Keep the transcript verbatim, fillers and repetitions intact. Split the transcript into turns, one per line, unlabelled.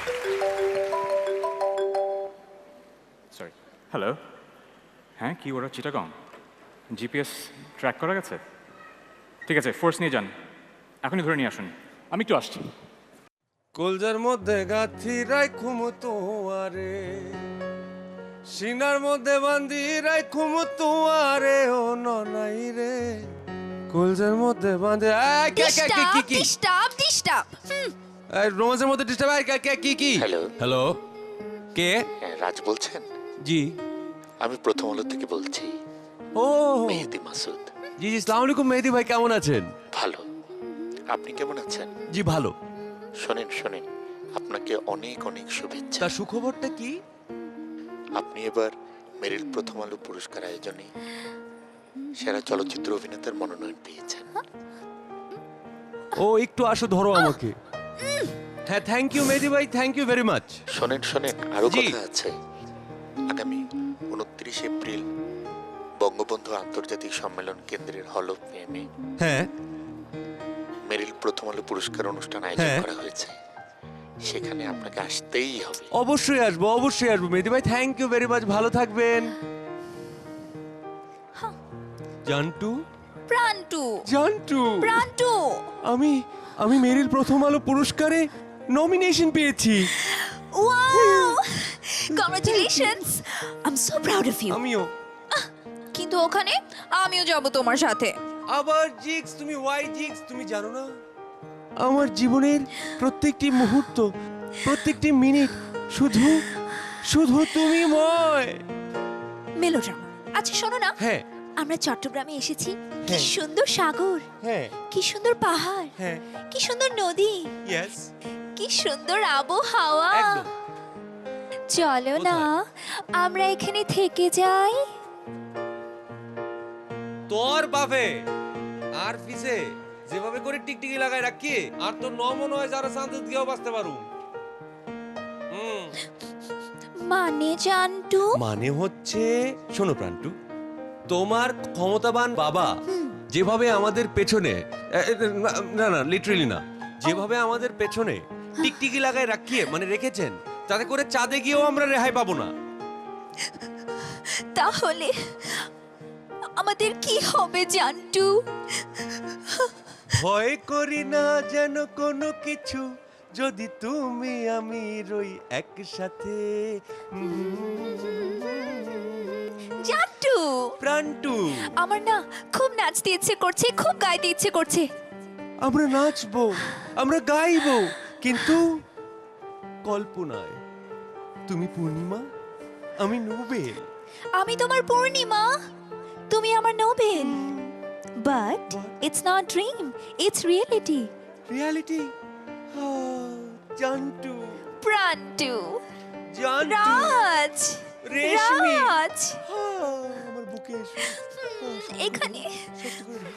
Sorry, hello. হ্যাঁ, কি ওরা চিটাগং? জিপিএস ট্র্যাক করা গেছে? ঠিক আছে, ফোর্স নিয়ে যান, এখনই ধরে নিয়ে আসুন, আমি একটু আসছি।
কলজার মধ্যে গাথি রাইখুম তোয়ারে, সিনার মধ্যে বান্ধি রাইখুম তোয়ারে, ও ননাই রে কলজার মধ্যে বাঁধে। এই, কে, কে, কি, কি, কি?
ডিস্টার্ব ডিস্টার্ব
এই, রোমান্সের মধ্যে ডিস্টার্ব। কে, কে, কি, কি?
হ্যালো।
হ্যালো, কে?
হ্যাঁ, রাজ বলছেন?
জি।
আমি প্রথম আলো থেকে বলছি,
ও
মেহেদি মাসুদ।
জি জি, আসসালামু আলাইকুম মেহেদি ভাই, কেমন আছেন?
ভালো, আপনি কেমন আছেন?
জি ভালো।
শোনেন শোনেন, আপনাকে অনেক অনেক শুভেচ্ছা।
তার সুখবরটা কি?
আপনি এবার মেরিল প্রথম আলো পুরস্কার আয়োজনে সেরা চলচ্চিত্র অভিনেতার মনোনয়ন পেয়েছেন।
ও একটু আসো, ধরো আমাকে। হ্যাঁ, থ্যাংক ইউ মেহেদি ভাই, থ্যাংক ইউ ভেরি মাচ।
শোনেন শোনেন, আরো
জি।
কথা আছে। আগামী উনত্রিশ এপ্রিল বঙ্গবন্ধু আন্তর্জাতিক সম্মেলন কেন্দ্রের হল অফ ফেমে
হ্যাঁ
মেরিল প্রথম আলো পুরস্কার অনুষ্ঠান আয়োজন
হ্যাঁ।
করা হয়েছে। সেখানে আপনাকে আসতেই হবে।
অবশ্যই আসবো, অবশ্যই আসবো মেহেদি ভাই, থ্যাংক ইউ ভেরি মাচ, ভালো থাকবেন। জান্টু,
প্রান্টু
জান্টু,
প্রান্টু
আমি আমি মেরিল প্রথম আলো পুরস্কারে নমিনেশন পেয়েছি।
Wow congratulations I am so proud of you
আমিও।
কিন্তু ওখানে আমিও যাব তোমার সাথে।
আবার জিক্স, তুমি ওয়াই জিক্স, তুমি জানো না আমার জীবনের প্রত্যেকটি মুহূর্ত, প্রত্যেকটি মিনিট শুধু শুধু তুমি ময়।
মেলোড্রামা। আচ্ছা শোনো না,
হ্যাঁ
আমরা চট্টগ্রামে এসেছি। কি
হ্যাঁ।
সুন্দর সাগর,
হ্যাঁ
কি সুন্দর পাহাড়,
হ্যাঁ,
কি সুন্দর নদী,
ইয়েস,
কি সুন্দর আবহাওয়া।
একদম।
চলো না আমরা এখানে থেকে যাই।
তোর বাপে আর পিছে যেভাবে করে টিকটিকি লাগাই রাখি, আর তো নমন হয় যারা শান্তিতে গিয়েও বাঁচতে পারু। হুম,
মানে জান্টু
মানে হচ্ছে, শোনো প্রান্টু, তোমার ক্ষমতাবান বাবা যেভাবে আমাদের পেছনে, এ, এ, না, না না লিটারালি না, যেভাবে আমাদের পেছনে টিকটিকি লাগাই রাখিয়ে মানে রেখেছেন, তাতে করে চাঁদে গিয়েও আমরা রেহাই পাবো না।
তাহলে আমাদের কি হবে জান্টু?
ভয় করি না যেন কোনো কিছু, যদি তুমি আমি রই একসাথে।
জান্টু
প্রান্টু,
আমার না খুব নাচতে ইচ্ছে করছে, খুব গাইতে ইচ্ছে করছে।
আমরা নাচবো, আমরা গাইবো, কিন্তু কল্পনায়। তুমি পূর্ণিমা, আমি নোবেল।
আমি তোমার পূর্ণিমা, তুমি আমার Nobel. But it's not dream, it's reality.
Reality. Jantu,
Prantu,
Jantu,
Raj,
Reshmi.
Raj
আহ, আমার বুকে এসো।
এখানে
সত্যি করে